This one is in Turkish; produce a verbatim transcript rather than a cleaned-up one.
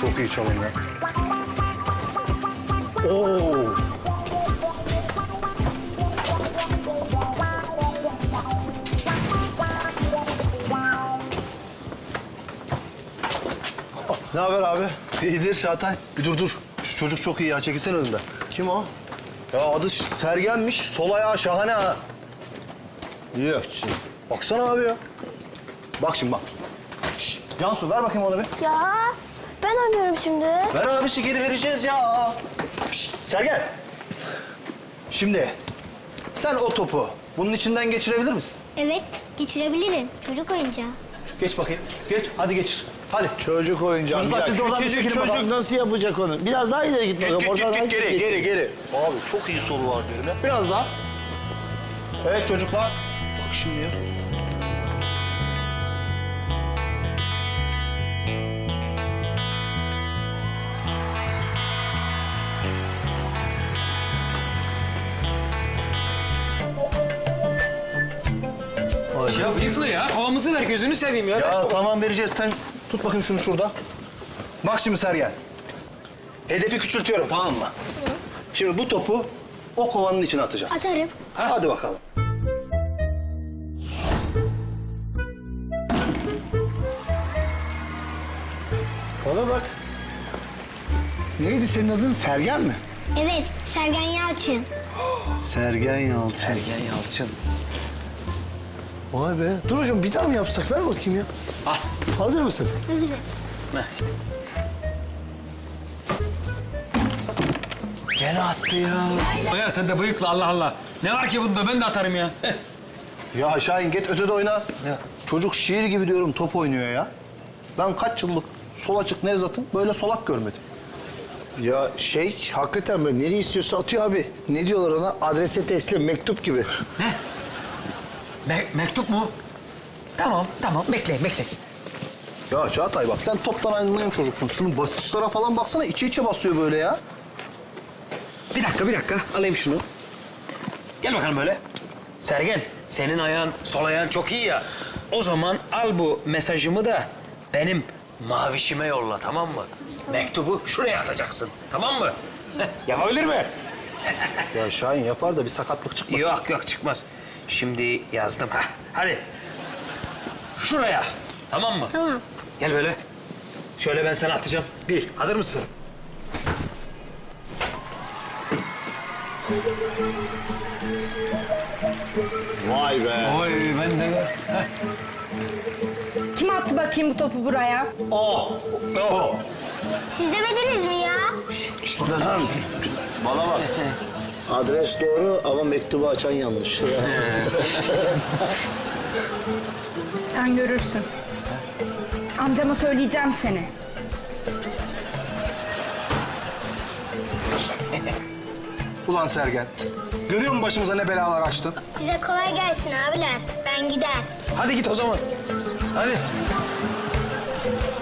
Çok iyi çalım ya. Oo. Ne haber abi? İyidir Çağatay. Bir dur dur. Şu çocuk çok iyi ya. Çekilsene önümden. Kim o? Ya adı Sergen'miş. Sol ayağı şahane ha. Yok şimdi. Baksana abi ya. Bak şimdi bak. Şş, Cansu ver bakayım onu bir. Ya ben oynuyorum şimdi. Ver abisi geri vereceğiz ya. Şş, Sergen. Şimdi sen o topu bunun içinden geçirebilir misin? Evet geçirebilirim. Çocuk oyuncağı. Geç bakayım. Geç. Hadi geçir. Hadi. Çocuk oyuncağı. Çocuklar, siz de oradan bir Küçücük çekilin çocuk bakalım. nasıl yapacak onu? Biraz daha ileri git Git, bakalım. git, git, Oradan git, geri, git. geri, geri. Abi çok iyi solu var diyorum ya. Biraz daha. Evet çocuklar. Bak şimdi ya. Ya bıyıklı ya. Kovamızı ver gözünü seveyim ya. Ya tamam vereceğiz. Sen tut bakayım şunu şurada. Bak şimdi Sergen. Hedefi küçültüyorum tamam mı? Şimdi bu topu o kovanın içine atacağız. Atarım. Hadi bakalım. Bana bak. Neydi senin adın? Sergen mi? Evet Sergen Yalçın. Sergen Yalçın. Sergen Yalçın. Vay be. Dur bakayım bir daha mı yapsak? Ver bakayım ya. Al. Hazır mısın? Hazırım. Heh, işte. Gene attı ya. Ya sen de bıyıklı Allah Allah. Ne var ki bunda ben de atarım ya. Heh. Ya Şahin git ötede oyna. Ya. Çocuk şiir gibi diyorum top oynuyor ya. Ben kaç yıllık sol açık Nevzat'ın böyle solak görmedim. Ya şey hakikaten böyle nereye istiyorsa atıyor abi. Ne diyorlar ona? Adrese teslim, mektup gibi. Ne? Me- mektup mu? Tamam tamam bekleyin bekleyin. Ya Çağatay bak sen toptan anlayan çocuksun. Şunun basışlara falan baksana içi içe basıyor böyle ya. Bir dakika bir dakika alayım şunu. Gel bakalım böyle. Sergen senin ayağın sol ayağın çok iyi ya. O zaman al bu mesajımı da benim mavişime yolla tamam mı? Mektubu şuraya atacaksın tamam mı? Yapabilir mi? Ya Şahin yapar da bir sakatlık çıkmasın. Yok yok çıkmaz. Şimdi yazdım ha. Hadi. Şuraya. Tamam mı? Tamam. Gel böyle. Şöyle ben sana atacağım. Bir. Hazır mısın? Vay be. Oy ben de. Kim attı bakayım bu topu buraya? O. Oh. Siz demediniz mi ya? Bana bak. Adres doğru ama mektubu açan yanlış. Sen görürsün. Amcama söyleyeceğim seni. Ulan Sergen. Görüyor musun başımıza ne belalar açtın? Size kolay gelsin abiler. Ben gider. Hadi git o zaman. Hadi.